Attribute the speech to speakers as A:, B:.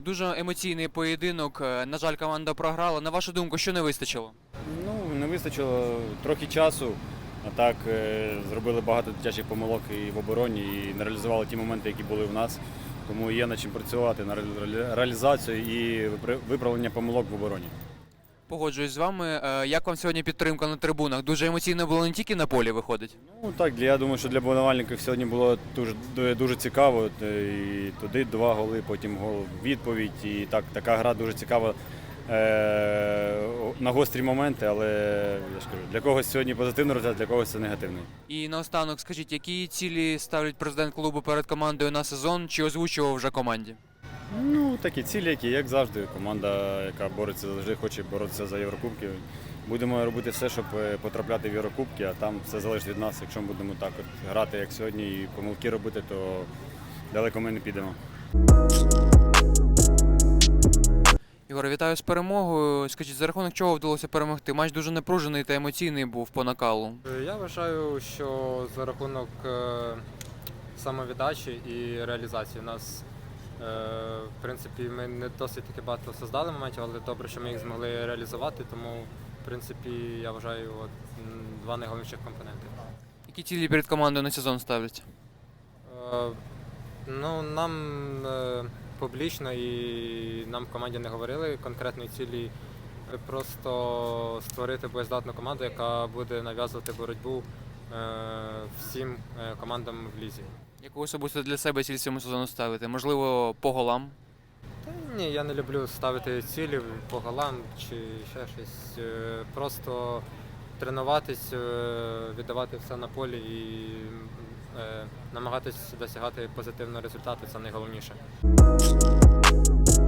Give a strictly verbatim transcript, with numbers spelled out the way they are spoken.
A: Дуже емоційний поєдинок. На жаль, команда програла. На вашу думку, що не вистачило?
B: Ну, не вистачило трохи часу, а так е, зробили багато дитячих помилок і в обороні, і не реалізували ті моменти, які були в нас. Тому є над чим працювати на ре- реалізацію і випра- виправлення помилок в обороні.
A: Погоджуюсь з вами. Е, Як вам сьогодні підтримка на трибунах? Дуже емоційно було не тільки на полі виходить.
B: Ну так, для- я думаю, що для болівальників сьогодні було дуже, дуже- дуже цікаво. Е, І туди два голи, потім гол у відповідь. І так, така гра дуже цікава е, на гострі моменти, але я ж кажу, для когось сьогодні позитивний результат, для когось це негативний.
A: І наостанок, скажіть, які цілі ставить президент клубу перед командою на сезон? Чи озвучував вже команді?
B: Ну, такі цілі, які, як завжди, команда, яка бореться завжди, хоче боротися за Єврокубки. Будемо робити все, щоб е, потрапляти в Єврокубки, а там все залежить від нас. Якщо ми будемо так от грати, як сьогодні, і помилки робити, то далеко ми не підемо.
A: Ігор, вітаю з перемогою. Скажіть, за рахунок чого вдалося перемогти? Матч дуже напружений та емоційний був по накалу.
C: Я вважаю, що за рахунок е, самовіддачі і реалізації у нас, е, в принципі, ми не досить таки багато создали моментів, але добре, що ми їх змогли реалізувати, тому, в принципі, я вважаю, от, м, два найголовніших компоненти.
A: Які цілі перед командою на сезон ставлять?
C: Е, ну, нам е, публічно і нам в команді не говорили конкретної цілі. Е, Просто створити боєздатну команду, яка буде нав'язувати боротьбу е, всім е, командам в лізі.
A: Яку особисто для себе ціль цьому сезону ставити? Можливо, по голам?
C: Та ні, я не люблю ставити цілі по голам чи ще щось. Е, Просто тренуватись, е, віддавати все на полі і е, намагатись досягати позитивного результату це найголовніше.